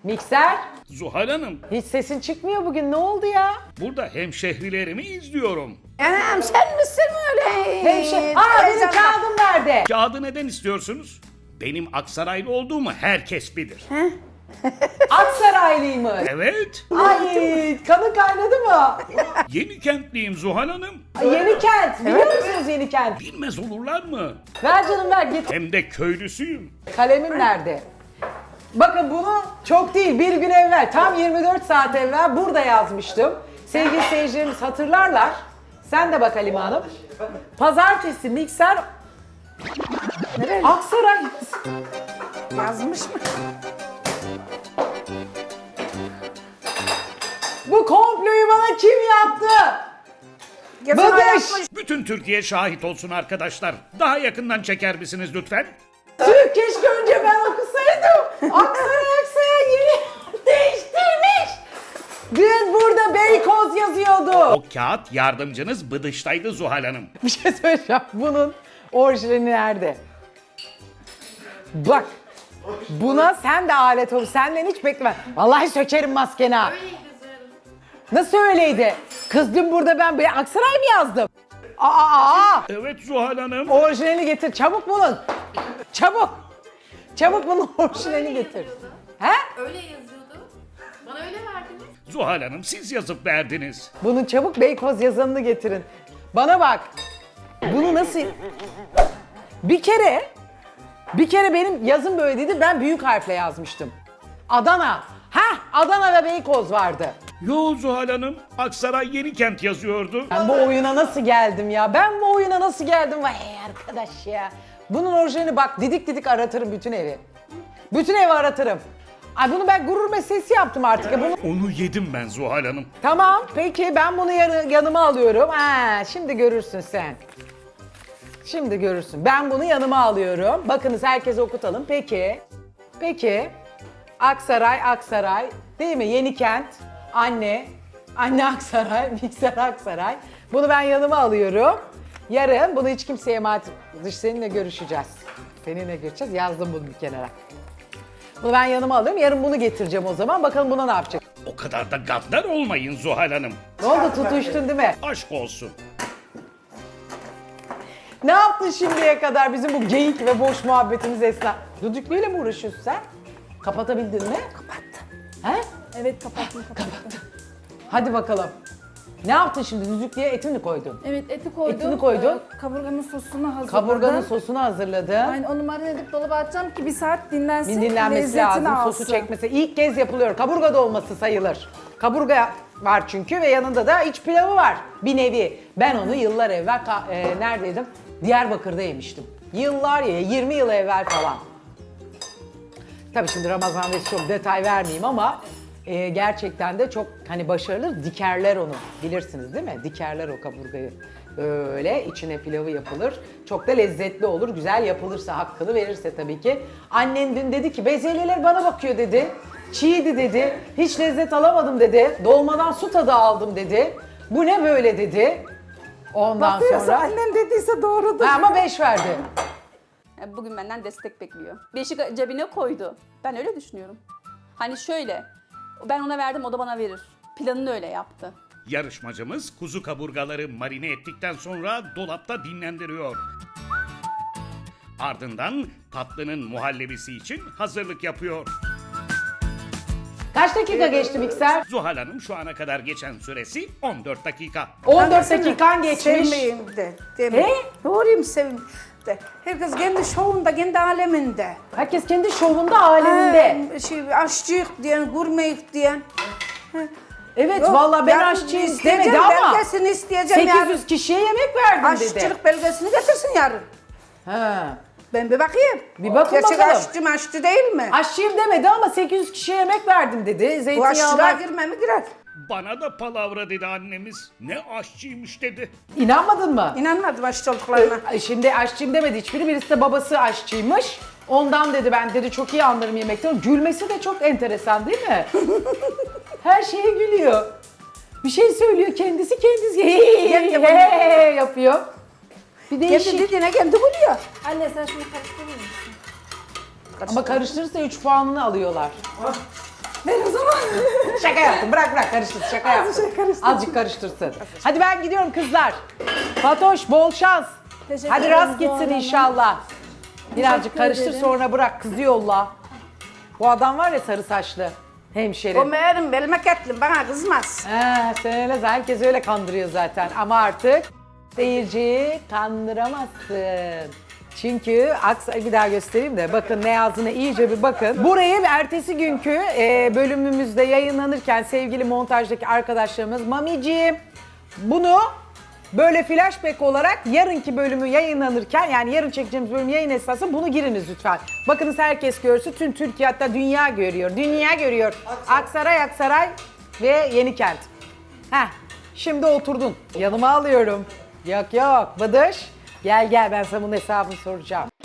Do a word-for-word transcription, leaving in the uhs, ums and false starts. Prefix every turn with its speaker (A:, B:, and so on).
A: Mikser,
B: Zuhal Hanım,
A: hiç sesin çıkmıyor bugün. Ne oldu ya?
B: burada hemşehrilerimi izliyorum.
C: Anam sen misin öyle?
A: Hemşe... Aa benim
C: Teyzem-
A: kağıdım nerede?
B: Kağıdı neden istiyorsunuz? Benim Aksaraylı olduğumu herkes bilir.
A: Aksaraylıymış.
B: Evet,
A: Ay kanı kaynadı mı?
B: yeni kentliyim Zuhal Hanım.
A: Ay, Yenikent. Biliyor musunuz Yenikent?
B: Bilmez olurlar mı?
A: Ver canım ver git.
B: Hem de köylüsüyüm.
A: Kalemim nerede? Bakın bunu çok değil bir gün evvel tam yirmi dört saat evvel burada yazmıştım. Sevgili seyircilerimiz hatırlarlar. Sen de bak Halime Hanım. Pazartesi mikser
C: Nereli?
A: Aksaray.
C: Yazmış mı?
A: Bu komployu bana kim yaptı?
C: Yazan
A: Bıdış!
C: yapmış.
B: Bütün Türkiye şahit olsun arkadaşlar. Daha yakından çeker misiniz lütfen?
A: Tüh keşke önce ben okusaydım. Aksaray Aksaray yeri değiştirmiş. Dün burada Beykoz yazıyordu.
B: O kağıt yardımcınız Bıdış'taydı Zuhal Hanım.
A: Bir şey söyleyeceğim. Bunun orijinali nerede? Bak. Buna sen de alet ol. Senden hiç bekleme. Vallahi sökerim maskeni ha. Nasıl öyleydi? Kız dün burada ben bir Aksaray mı yazdım? Aa, aa, aa.
B: Evet Zuhal Hanım.
A: Orijinalini getir. Çabuk bulun. Çabuk. Çabuk bunun orijinalini getir. He?
D: Öyle yazıyordu. Bana öyle verdiniz.
B: Zuhal Hanım siz yazıp verdiniz.
A: Bunun çabuk Beykoz yazanını getirin. Bana bak. Bunu nasıl... Bir kere... Bir kere benim yazım böyleydi. Ben büyük harfle yazmıştım. Adana. Heh, Adana ve Beykoz vardı.
B: Yo Zuhal Hanım, Aksaray Yenikent yazıyordu.
A: Ben bu oyuna nasıl geldim ya? Ben bu oyuna nasıl geldim? Vay arkadaş ya. Bunun orijinalini bak didik didik aratırım bütün evi. Bütün evi aratırım. Ay bunu ben gurur meselesi yaptım artık. Ya bunu...
B: Onu yedim ben Zuhal Hanım.
A: Tamam peki ben bunu yanı- yanıma alıyorum. Ha, şimdi görürsün sen. Şimdi görürsün. Ben bunu yanıma alıyorum. Bakınız herkese okutalım. Peki. Peki. Aksaray, Aksaray. Değil mi? Yenikent. Anne. Anne Aksaray. Mikser Aksaray. Bunu ben yanıma alıyorum. Yarın bunu hiç kimseye emanet... Dış seninle görüşeceğiz. Seninle görüşeceğiz. Yazdım bunu bir kenara. Bunu ben yanıma alıyorum. Yarın bunu getireceğim o zaman. Bakalım buna ne yapacak?
B: O kadar da gaddar olmayın Zuhal Hanım.
A: Ne oldu tutuştun değil mi?
B: Aşk olsun.
A: Ne yaptın şimdiye kadar bizim bu geyik ve boş muhabbetimiz esna? Düdüklüyle mi uğraşıyorsun sen? Kapatabildin mi? Kapattım. He?
E: Evet kapattım kapattım.
A: Hadi bakalım. Ne yaptın şimdi? Düdüklüye etini mi koydun?
E: Evet eti koydum.
A: Etini koydun.
E: Ee, kaburganın sosunu hazırladım.
A: Kaburganın sosunu hazırladın.
E: Yani onu marine edip dolaba atacağım ki bir saat dinlensin.
A: Bir dinlenmesi
E: lezzetini
A: lazım,
E: alsın.
A: sosu çekmesi. İlk kez yapılıyor. Kaburga dolması sayılır. Kaburga var çünkü ve yanında da iç pilavı var bir nevi. Ben onu yıllar evvel ka- e, neredeydim? Diyarbakır'da yemiştim. Yıllar ya, yirmi yıl evvel falan. Tabii şimdi Ramazan ve çok detay vermeyeyim ama e, gerçekten de çok hani başarılı dikerler onu. Bilirsiniz değil mi? Dikerler o kaburgayı. Böyle içine pilavı yapılır. Çok da lezzetli olur. Güzel yapılırsa, hakkını verirse tabii ki. Annen dün dedi ki bezelyeler bana bakıyor dedi. Çiğdi dedi. Hiç lezzet alamadım dedi. Dolmadan su tadı aldım dedi. Bu ne böyle dedi. Ondan
C: Bakıyorsa
A: sonra...
C: annem dediyse doğrudur.
A: Ha, ama beş verdi.
F: Bugün benden destek bekliyor. Beşi cebine koydu. Ben öyle düşünüyorum. Hani şöyle, ben ona verdim, o da bana verir. Planını öyle yaptı.
B: Yarışmacımız kuzu kaburgaları marine ettikten sonra dolapta dinlendiriyor. Ardından tatlının muhallebisi için hazırlık yapıyor.
A: Kaç dakika geçti mikser?
B: Zuhal Hanım şu ana kadar geçen süresi on dört dakika.
A: on dört dakikan geçmiş.
C: Sevmeyeyim de. Değil
A: He?
C: Doğruyum sevim de. Herkes kendi şovunda, kendi aleminde.
A: Herkes kendi şovunda, aleminde.
C: Ha, şey, aşçıyık diyen, gurmeyik diyen.
A: Evet
C: Yok,
A: vallahi ben
C: yarın
A: aşçıyım
C: isteyeceğim,
A: demedi ama
C: belgesini isteyeceğim
A: sekiz
C: yarın.
A: yüz kişiye yemek verdim dedi.
C: Aşçılık belgesini getirsin yarın.
A: Ha.
C: Ben bir bakayım.
A: Bir bakın
C: Gerçek
A: bakalım.
C: aşçı mı aşçı değil mi?
A: Aşçıyım demedi ama sekiz yüz kişiye yemek verdim dedi.
C: Bu aşçılığa
A: Zeytinyağlar.
C: girme mi girer?
B: Bana da palavra dedi annemiz. Ne aşçıymış dedi.
A: İnanmadın mı?
C: İnanmadım aşçı olduklarına.
A: Ay, Şimdi aşçıyım demedi hiçbiri. Birisi de babası aşçıymış. Ondan dedi ben dedi çok iyi anlarım yemekten. Gülmesi de çok enteresan değil mi? Her şeye gülüyor. Bir şey söylüyor kendisi kendisi hey yapıyor. Bir
C: Kendi
A: değişik.
C: dediğine kendi buluyor.
E: Anne sen şunu karıştırır mısın?
A: Ama karıştırırsa üç puanını alıyorlar. Şaka yaptım. Bırak bırak karıştırsın. Şaka yaptım.
C: Azıcık karıştırsın.
A: Azıcık karıştırsın. Hadi ben gidiyorum kızlar. Fatoş bol şans.
E: Teşekkür
A: Hadi
E: ederim
A: rast gitsin
E: Zuhal Hanım.
A: inşallah. Birazcık
E: Teşekkür
A: karıştır
E: ederim.
A: sonra bırak kızı yolla. Bu adam var ya sarı saçlı. Hemşeri.
C: O meğerim memleketli bana kızmaz.
A: He, sen öyle herkes öyle kandırıyor zaten ama artık seyirciyi kandıramazsın. Çünkü Aksa bir daha göstereyim de bakın ne yazdığına iyice bir bakın. Burayı ertesi günkü e, bölümümüzde yayınlanırken sevgili montajdaki arkadaşlarımız Mamiciğim bunu böyle flashback olarak yarınki bölümü yayınlanırken yani yarın çekeceğimiz bölüm yayın esnasında bunu giriniz lütfen. Bakınız herkes görsün tüm Türkiye hatta dünya görüyor. Dünya görüyor. Aksaray Aksaray ve Yenikent. Heh, şimdi oturdun. Yanıma alıyorum. Yok yok Bıdış. Gel gel ben sana bunun hesabını soracağım.